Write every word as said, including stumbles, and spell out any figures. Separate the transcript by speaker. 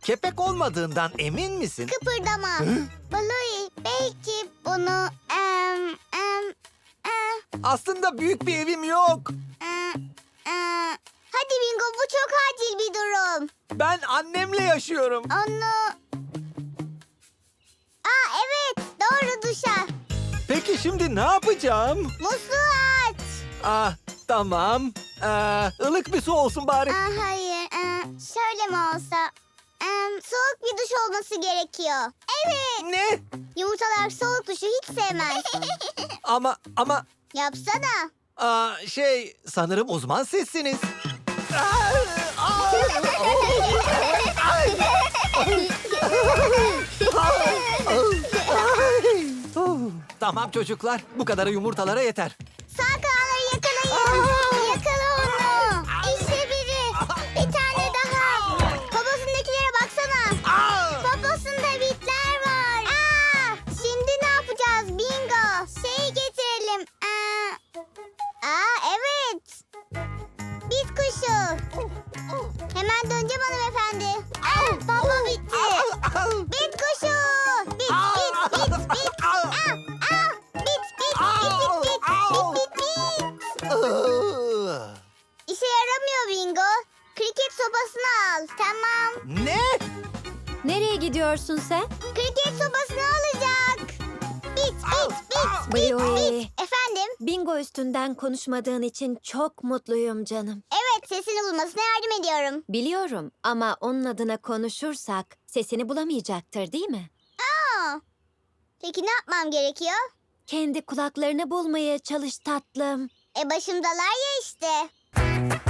Speaker 1: Kepek olmadığından emin misin?
Speaker 2: Kıpırdama. Bluey, belki bunu... Em, em, em,
Speaker 1: Aslında büyük bir evim yok.
Speaker 2: em, em. Hadi Bingo, bu çok acil bir durum.
Speaker 1: Ben annemle yaşıyorum.
Speaker 2: Onu... Aa evet, doğru, duşa.
Speaker 1: Peki şimdi ne yapacağım?
Speaker 2: Musluğu aç.
Speaker 1: Ah, tamam. Ee, ılık bir su olsun bari.
Speaker 2: Aa, hayır, ee, şöyle mi olsa? Em, soğuk bir duş olması gerekiyor. Evet,
Speaker 1: Ne?
Speaker 2: yumurtalar soğuk duşu hiç sevmez.
Speaker 1: Ama ama
Speaker 2: Yapsana.
Speaker 1: aa, şey sanırım uzman sizsiniz. Aa, aa, ay, ay. Oh, Tamam çocuklar, bu kadarı yumurtalara yeter.
Speaker 2: Sağ kanalları yakalayın. Yakala onu. İşte biri. Bir tane daha. Poposundakilere baksana.
Speaker 1: Aa!
Speaker 2: Poposunda bitler var. Aa, şimdi ne yapacağız Bingo? Şeyi getirelim. Aa, aa evet. Bit kuşu. Hemen döneceğim hanımefendi. Aa, popo bitti. Bit kuşu. Bit bit bit bit. Aa, aa, bit bit bit bit bit. Bit bit bit.
Speaker 1: Aa!
Speaker 2: İşe yaramıyor Bingo. Kriket sopasını al. Tamam.
Speaker 1: Ne?
Speaker 3: Nereye gidiyorsun sen?
Speaker 2: Kriket sopasını alacak. Bit bit bit bit
Speaker 3: Bluey.
Speaker 2: bit. Efendim?
Speaker 3: Bingo üstünden konuşmadığın için çok mutluyum canım.
Speaker 2: Evet, sesini bulmasına yardım ediyorum.
Speaker 3: Biliyorum ama onun adına konuşursak sesini bulamayacaktır değil mi?
Speaker 2: Aa, peki ne yapmam gerekiyor?
Speaker 3: Kendi kulaklarını bulmaya çalış tatlım.
Speaker 2: E başımdalar ya işte.